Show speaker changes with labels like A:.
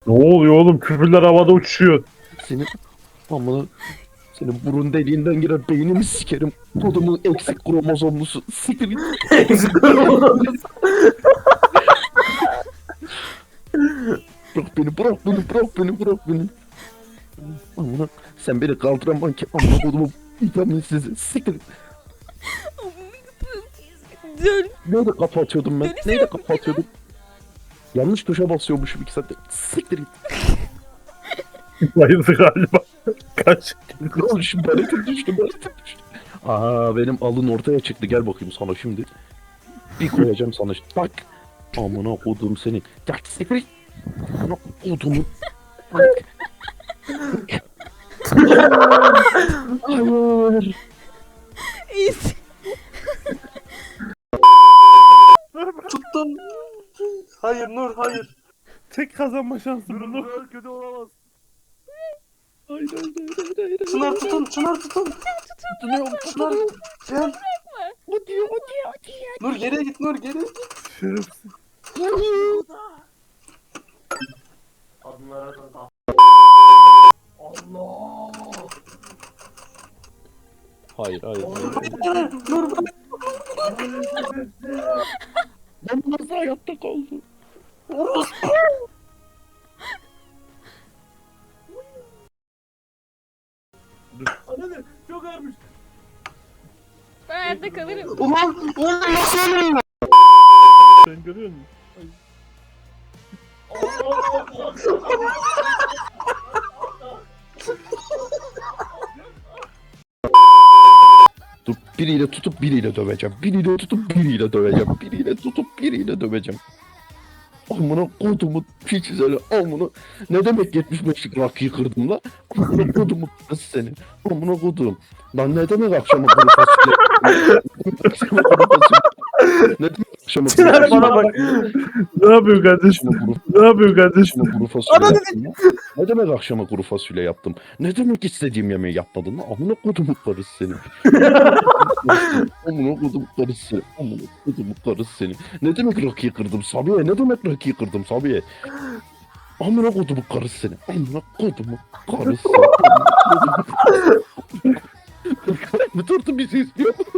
A: Ne oluyor oğlum? Küfürler havada uçuşuyor.
B: Senin amına senin burun deliğinden girer beynini sikerim. Kodumun eksik kromozomlusu. Siktir git. Bırak beni, bırak beni, bırak beni, bırak beni. Amına sen beni kaldıramam ki amına kodumun vitaminsiz. Siktir git.
C: Dön.
B: Neyle kafa atıyordum ben?
C: Dönüşe
B: Neyle
C: yok
B: kafa atıyordum? Yanlış tuşa basıyormuşum 2 saattir. Siktir git.
A: Bayıldı galiba. Kaç.
B: Oğlum şu baletim düştü, baletim düştü. Aa benim alın ortaya çıktı. Gel bakayım sana şimdi. Bir koyacağım sana. Bak. Amına kodum seni. Gel siktir git. Amına kodumun. Hayır.
C: İyisin.
D: Tuttum. Hayır Nur hayır.
A: Tek kazanma şansım bunu. Kötü olamaz.
B: Hayır, hayır, hayır, hayır, hayır.
D: Çınar tutun Çınar tutun.
B: Tutunuyorum,
D: Çınar gel.
B: O diyor, o diyor, o diyor.
D: Nur geriye git Nur geri.
A: Şerefsiz.
B: Hayır, hayır.
D: Nur bırak.
B: Ben nasıl hayatta kaldım?
A: Çok ağırmış.
C: Ben hayatta kalırım.
D: Ulan nasıl ölüyorum?
A: Sen görüyor musun?
B: Dur, biriyle tutup biriyle döveceğim. Biriyle tutup biriyle döveceğim. Biriyle tutup biriyle döveceğim. Amına kodumu piçizeli amına. Ne demek 75'lik rakıyı kırdım la? Amına kodumu kız seni. Amına kodum. Lan ne demek akşama kuru fasulye? Akşama kuru fasulye. Ne demek akşama kuru
A: Çınar
B: fasulye?
A: bana bak. Ne yapıyorsun kardeşim?
B: Akşama kuru
A: Ne yapıyorsun kardeşim?
B: Akşama kuru fasulye yaptım ya. Ne demek akşama kuru fasulye yaptım? Ne demek istediğim yemeği yapmadın lan? Amına kodumu karısı seni. Amına kodumu karısı seni. Amına kodumu karısı seni. Ne demek rakıyı kırdım Sabiye? Ne demek rakıyı kırdım Sabiye? Amına kodumu karısı seni. Amına kodumu karısı seni. Amına kodumu karısı seni. Bu tortu bizi istiyor.